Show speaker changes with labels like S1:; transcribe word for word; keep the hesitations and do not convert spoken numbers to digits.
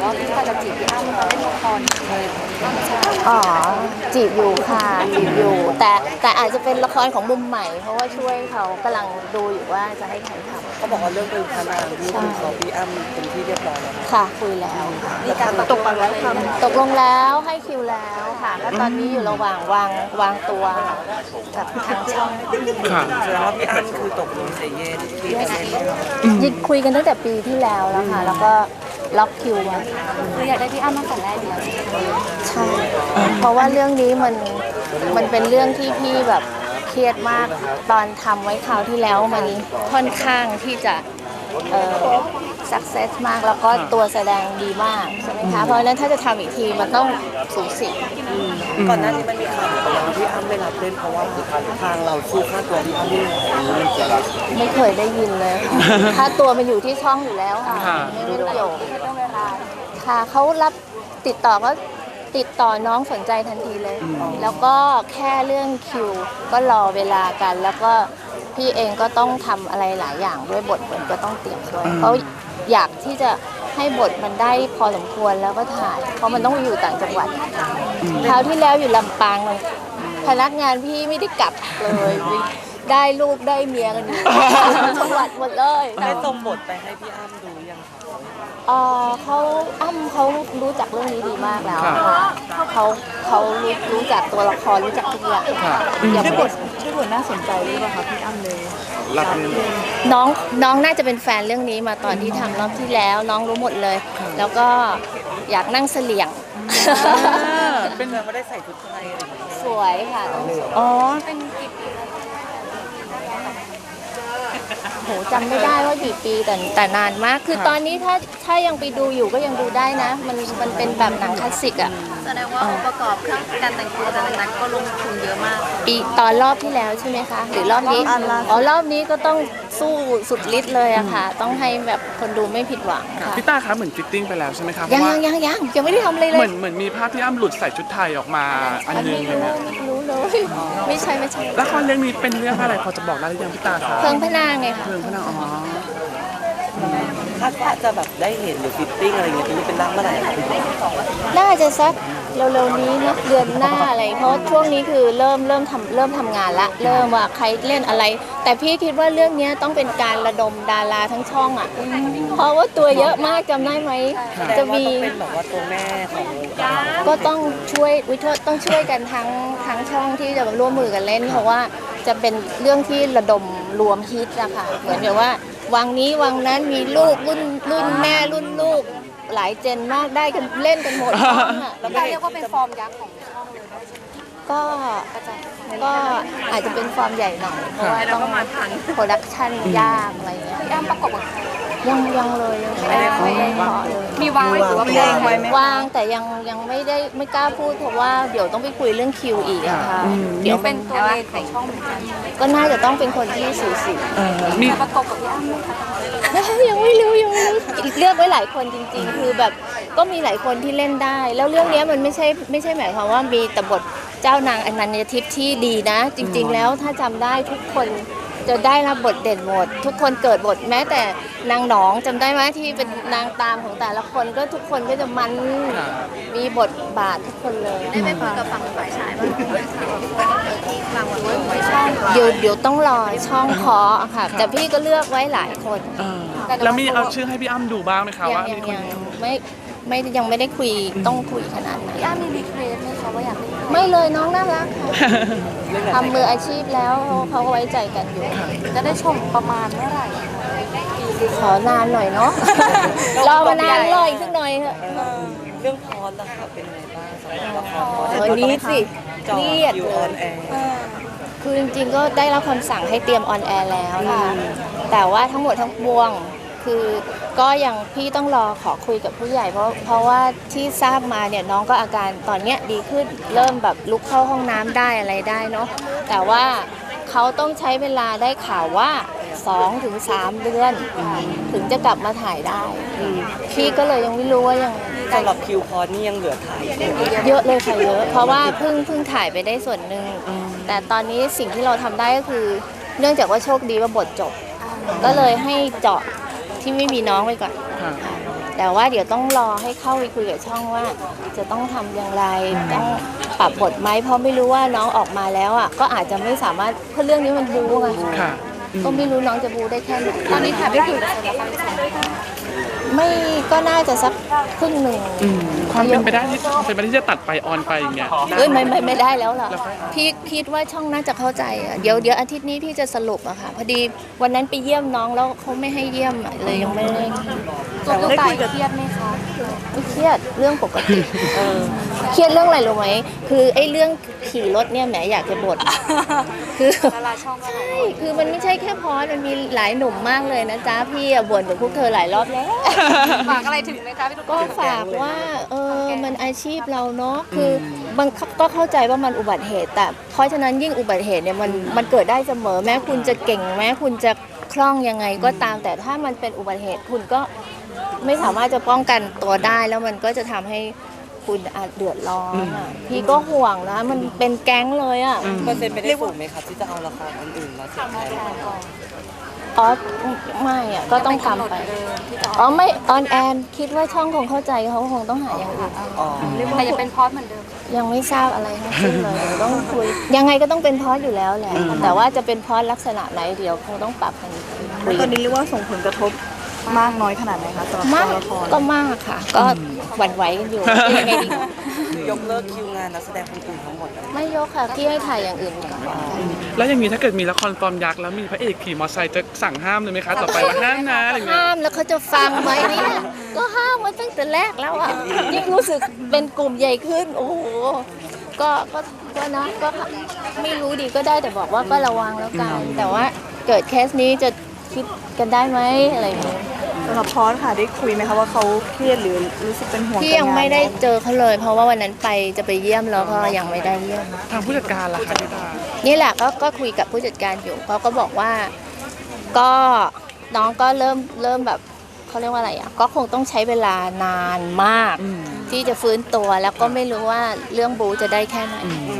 S1: ว่าพี่พาจะจีบพี่อ้ำมาเล่นละครเลย
S2: อ๋อจีบอยู่ค่ะจีบอยู่แต่แต่อาจจะเป็นละครของมุมใหม่เพราะว่าช่วยเขากำลังดูอยู่ว่าจะให้ใครทำ
S3: เขาบอกว่าเรื่องเป็นพนางที่คุณเขาพี่อ้ำเป็นที่เรียบร้อยแล้ว
S2: ค่ะคุยแล้ว
S1: มีการตกลงแล้วท
S2: ตกลงแล้วให้คิวแล้วค่ะก็ตอนนี้อยู่ระหว่างวางวางตัวกับทางช่อง
S4: ค่ะ
S3: แสดงว่าพี่อ้ำคือตกลงเซเยนที่ประเด็น
S2: ยิดคุยกันตั้งแต่ปีที่แล้วแล้วค่ะแล้วก็ล็อกคิวไว้
S1: ำคืออยากได้พี่อ้ำตั้งแต่แรกอยู่แล้ว
S2: ใช่เพราะว่าเรื่องนี้มันมันเป็นเรื่องที่พี่แบบเครียดมากตอนทำไว้คราวที่แล้วมันค่อนข้างที่จะเอ่อ success มากแล้วก็ตัวแสดงดีมากใช่ไหมคะเพราะฉะนั้นถ้าจะทำอีกทีมันต้องสูสี
S3: ก่อนหน้านี้มันมีข่าวว่าพี่อ้ำไม่รับเล่นเพราะว่าทางเราสู้ค่าตัวพี่อ้ำไม่ไหวมันจะ
S2: ไม่เคยได้ยินเลยค่ะค่าตัวมันอยู่ที่ช่องอยู่แล้วค่ะ
S4: ค่ะ
S2: ไม่ได้เกี่ยวค่ะเขารับติดต่อก็ติดต่อน้องสนใจทันทีเลย แล้วก็แค่เรื่องคิวก็รอเวลากัน แล้วก็พี่เองก็ต้องทำอะไรหลายอย่างด้วยบทมันก็ต้องเตรียมด้วยเพราะอยากที่จะให้บทมันได้พอสมควรแล้วก็ถ่ายเพราะมันต้องอยู่ต่างจังหวัดคราวที่แล้วอยู่ลำปางพนักงานพี่ไม่ได้กลับเลยได้ลูกได้เมียกันอยู่จังหวัดหมดเลย
S3: ได้ส่งบทไปให้พี่อ้ำดูยังคะ
S2: เออเขาอ้ำเขารู้จักเรื่องนี้ดีมากแล้ว
S4: ค่ะ
S2: เขาเขารู้รู้จักตัวละครรู้จักทุกอย่าง
S4: ค่ะ
S2: อย่า
S1: ชื่อบ
S2: ไป
S1: ทชื่อบทน่าสนใจหรือเปล่าคะพี่อ้ำเลย
S4: รับเงิน
S2: น้องน้องน่าจะเป็นแฟนเรื่องนี้มาตอนที่ทำรอบที่แล้ว น้องรู้หมดเลย แล้วก็อยากนั่งเสลี่ยง
S3: เป็นไงว่าได้ใส่ชุดไทยอะไรอย่างเงี้ย
S2: สวยค่ะต้องสวย
S4: อ๋อ
S1: เป็นกี่ปีแล้ว
S2: โหจำไม่ได้ว่ากี่ปีแต่แต่นานมาก คือตอนนี้ถ้าถ้ายังไปดูอยู่ก็ยังดูได้นะ มันมันเป็นแบบหนังคลาสสิกอ่ะ
S1: แสดงว่าองค์ประกอบเครื่องการแต่งตัวแต่ละนั้นก็ลงทุนเยอะมาก
S2: ปีตอนรอบที่แล้วใช่ไหมคะ หรือรอบนี้
S1: รอบล่าสุด
S2: อ๋อรอบนี้ก็ต้องสู้สุดฤทธิ์เลยอะค่ะ ต้องให้แบบคนดูไม่ผิดหวังค่ะ
S4: พี่ต้าคะเหมือนฟิตติ้งไปแล้วใช่ไหมคะเพ
S2: ยัง
S4: ราะว่า
S2: ยังยังยังยังไม่ได้ทำอะไรเล
S4: เหมือย นเหมือนมีภาพพี่อ้ำหลุดใส่ชุดไทยออกมาอัน
S2: อัน
S4: นึง
S2: ไม่
S4: เลย
S2: รู้
S4: เนี่ย
S2: ไม่รู้เลย ไม่ใช่ไม่ใช่
S4: ละครเรื่องนี้เป็นเรื่องอะไรพอจะบอกได้หรือยังพี่ต้าคะ
S2: เพลิงพระนางไงค่ะ
S4: เพลิงพระนางอ๋อ
S3: คาดว่าจะแบบได้เห็นหรือฟิตติ้งอะไรอย่างเงี้ยจะเป็นร่างเมื่อไหร่คะ
S2: น่าจะสักเร็วๆนี้นะเดือนหน้าอะไรเพราะช่วงนี้คือเริ่มเริ่มทำเริ่มทำงานละเริ่มว่าใครเล่นอะไร แต่พี่คิดว่าเรื่องนี้ต้องเป็นการระดมดาราทั้งช่องอ่ะเพราะว่าตัวเยอะมากจำได้ไหม
S3: แสด
S2: จะ
S3: งว่า
S2: มี
S3: ต้องเป็นแบบว่าตัวแม่ของวงการ
S2: ก็ต้องช่วยวิทยต้องช่วยกันทั้งทั้งช่องที่จะร่วมมือกันเล่น เพราะว่าจะเป็นเรื่องที่ระดมรวมฮิตอะค่ะเหมือนกับว่าวังนี้วังนั้นมีลูกรุ่นรุ่นแม่รุ่นลูกหลายเจนมากได้กันเล่นกันหมดช่องอะ
S1: เราเรียกว่าเป็นฟอร์มยักษ์ของช่องเลยได้ใช่ไหม
S2: ก็ก็อาจจะเป็นฟอร์มใหญ่หน่อยเพราะว่าต้องโปรดักชันยากอะไรเงี้ย
S1: พี่อ้ำประกบกับใคร
S2: ยังยังเลยยังไม่ได้ไม่ได้ขอเลย
S1: มีวางไว้หรือว่าเพลงไว้ไหม
S2: วางแต่ยังยังไม่ได้ไม่กล้าพูดเพราะว่าเดี๋ยวต้องไปคุยเรื่องคิวอีกอะค่ะเดี๋ยว
S1: เป็นตัวเลนของช่องเหมือนกัน
S2: ก็น่าจะต้องเป็นคนที่สูสี
S4: มี
S1: จะประกบกับพี่อ้ำไหมคะ
S2: ยังไม่รู้ยังไม่รู้เลือกไว้หลายคนจริง ๆ คือแบบก็มีหลายคนที่เล่นได้ แล้วเรื่องนี้มันไม่ใช่ไม่ใช่หมายความว่ามีแต่บทเจ้านางอนัญญทิพย์ที่ดีนะ จริง ๆ แล้วถ้าจำได้ทุกคนจะได้รับบทเด่นหมด ทุกคนเกิดบทแม้แต่นางหนองจำได้ไหมที่เป็นนางตามของแต่ละคนก็ทุกคนก็จะมันมีบทบาททุกคนเลย
S1: ได้ไปคุยกับฝั่งฝ่ายชายบ้างไหมที่ฟังไว้ไว้ช่อง
S2: เดี๋ยวเดี๋ยวต้องรอช่องขอค่ะ แต่พี่ก็เลือกไว้หลายคน
S4: เออแล้วมีเอาชื่อให้พี่อ้ำดูบ้างไหมคะ
S2: ยัง
S4: ว่า
S2: ยั
S4: มี
S2: ง
S4: คน
S2: ยังไม่ไม่ยังไม่ได้คุยต้องคุยขนาดนั้น
S1: พี่อ้ำมีรีเควสไหมคะว่าอยากเล่น
S2: ไม่เลยน้องน่ารักค่ะทำมืออาชีพแล้วเขาก็ไว้ใจกันอยู่
S1: จะได้ชมประมาณเมื่อไหร่
S2: ขอนานหน่อยเนาะ รอมานานรออีกสักหน่อยเถอะ
S3: เรื่องพอสล่ะค่ะเป็นไงบ้างสำหรับละคร
S2: วันนี้สิ
S3: จอ
S2: เครียด
S3: คิว
S2: เล
S3: ออย นแอร์
S2: คือจริงๆก็ได้รับคำสั่งให้เตรียมออนแอร์แล้วค่ะ แต่ว่าทั้งหมดทั้งปวง คือก็ยังพี่ต้องรอขอคุยกับผู้ใหญ่เพราะเพราะว่าที่ทราบมาเนี่ยน้องก็อาการตอนเนี้ยดีขึ้นเริ่มแบบลุกเข้าห้องน้ำได้อะไรได้เนาะแต่ว่าเขาต้องใช้เวลาได้ข่าวว่าสองถึงสามเดือน ถึงจะกลับมาถ่ายได้ พี่ก็เลยยังไม่รู้ว่ายัง
S3: สำหรับคิวพอสนี่ยังเหลือถ่ายอยู่
S2: เยอะเลยค่ะเยอะ เพราะว่าเพิ่งเพิ่งถ่ายไปได้ส่วนหนึ่งแต่ตอนนี้สิ่งที่เราทำได้ก็คือ เนื่องจากว่าโชคดีว่าบทจบ ก็เลยให้เจาะที่ไม่มีน้องไปก่อน
S4: ค่ะ
S2: แต่ว่าเดี๋ยวต้องรอให้เข้าไปคุยกับช่องว่า จะต้องทำอย่างไรต้องปรับบทไหมเพราะไม่รู้ว่าน้องออกมาแล้วอ่ะก็อาจจะไม่สามารถเพราะเรื่องนี้มันบู๊ไง
S4: ค่ะ
S2: ก็ไม่รู้น้องจะบู๊ได้แค่ไหน
S1: ตอนนี้แถบได้คุยกับคนละครสอง
S2: ไม่ก็น่าจะสักครึ่งหนึ่ง
S4: อืมความเป็นไปได้ที่เป็นไปได้ที่จะตัดไปออนไปอย่างเงี้ย
S2: เอ้ยไม่ไม่ไม่ได้แล้วล่ะพี่คิดว่าช่องน่าจะเข้าใจอะเดี๋ยวเดี๋ยวอาทิตย์นี้พี่จะสรุปอะค่ะพอดีวันนั้นไปเยี่ยมน้องแล้วเขาไม่ให้เยี่ยมอะเลยยังไม่ได้
S1: ตัวผู้ตายเครียดไหมคะ
S2: ไม่เครียดเรื่องปกติเครียดเรื่องอะไรรู้ไหมคือไอ้เรื่องขี่รถเนี่ยแหมอยากจะบ่นคือ
S1: ดาราช่องก็หลาย
S2: ใช่คือมันไม่ใช่แค่พอสมันมีหลายหนุ่มมากเลยนะจ๊ะพี่อะบ่นกับพวกเธอหลายรอบแล้ว
S1: ฝากอะไรถึงไหมคะพี่ตุ๊ก
S2: ก็ฝากว่าเออมันอาชีพเราเนาะคือบางก็เข้าใจว่ามันอุบัติเหตุแต่เพราะฉะนั้นยิ่งอุบัติเหตุเนี่ยมันมันเกิดได้เสมอแม้คุณจะเก่งแม้คุณจะคล่องยังไงก็ตามแต่ถ้ามันเป็นอุบัติเหตุคุณก็ไม่สามารถจะป้องกันตัวได้แล้วมันก็จะทำให้คุณอาจเดือดร้อนอะพี่ก็ห่วงนะมันเป็นแก๊งเลยอ่ะ
S3: เปอร์เซ็นต์ไปได้สูงไหมครับที่จะเอาละครอันอื่นมาเสียบแทน
S2: อ๋อไม่อ่ะก็ต้องทำไปอ๋อไม่ออนแอนคิดว่าช่องคงเข้าใจเขาคงต้องหาอย่างอื่น
S3: อ๋อ
S1: แต่ยังเป็นพอสเหมือนเดิม
S2: ยังไม่ทราบอะไรทั้งสิ้นเลยเดี๋ยวต้องคุยยังไงก็ต้องเป็นพอสอยู่แล้วแหละแต่ว่าจะเป็นพอสลักษณะไหนเดี๋ยวคงต้องปรับกันคุย
S5: ตอนนี้เรียกว่าส่งผลกระทบมากน้อยขนาดไหนคะสำหรับ
S2: มาก
S5: ตัวละคร
S2: ก็มากค่ะ ก็หวั่นไหวกันอยู่ยังไงดี
S3: ยกเลิกคิวงานนักแสดงคนอื่นทั้งหมดเลย
S2: ไม่ยกค่ะพี่ให้ถ่ายอย่างอื่นก่อน
S4: แล้วอย่างนี้ถ้าเกิดมีละครฟอร์มยักษ์แล้วมีพระเอกขี่มอเตอร์ไซค์จะสั่งห้ามเลยไหมคะต่อไปว่าห้ามนะอะไรเงี้ย
S2: ห้ามแล้วเขาจะฟังไหมเนี่ยก็ห้ามมาตั้งแต่แรกแล้วอ่ะยิ่งรู้สึกเป็นกลุ่มใหญ่ขึ้น โอ้โหก็ก็ก็นะก็ไม่รู้ดีก็ได้แต่บอกว่าก็ระวังแล้วกัน แต่ว่าเกิดเคสนี้จะคิดกันได้ไหมอะไรอย่างเงี้ย
S5: สำหรับพอสค่ะได้คุยไหมคะว่าเขาเครียดหรือรู้สึกเป็นห่วง
S2: พี่ยังไม่ได้เจอเขาเลย เพราะว่าวันนั้นไปจะไปเยี่ยมแล้วก็ยังไม่ได้เยี่ยม
S4: ทางผู้จัดการล่ะคะพี่ตา
S2: นี่แหละก็ก็คุยกับผู้จัดการอยู่เขาก็บอกว่าก็น้องก็เริ่มเริ่มแบบเขาเรียกว่าอะไรอ่ะก็คงต้องใช้เวลานานมาก ที่จะฟื้นตัวแล้วก็ไม่รู้ว่าเรื่องบูจะได้แค่ไหน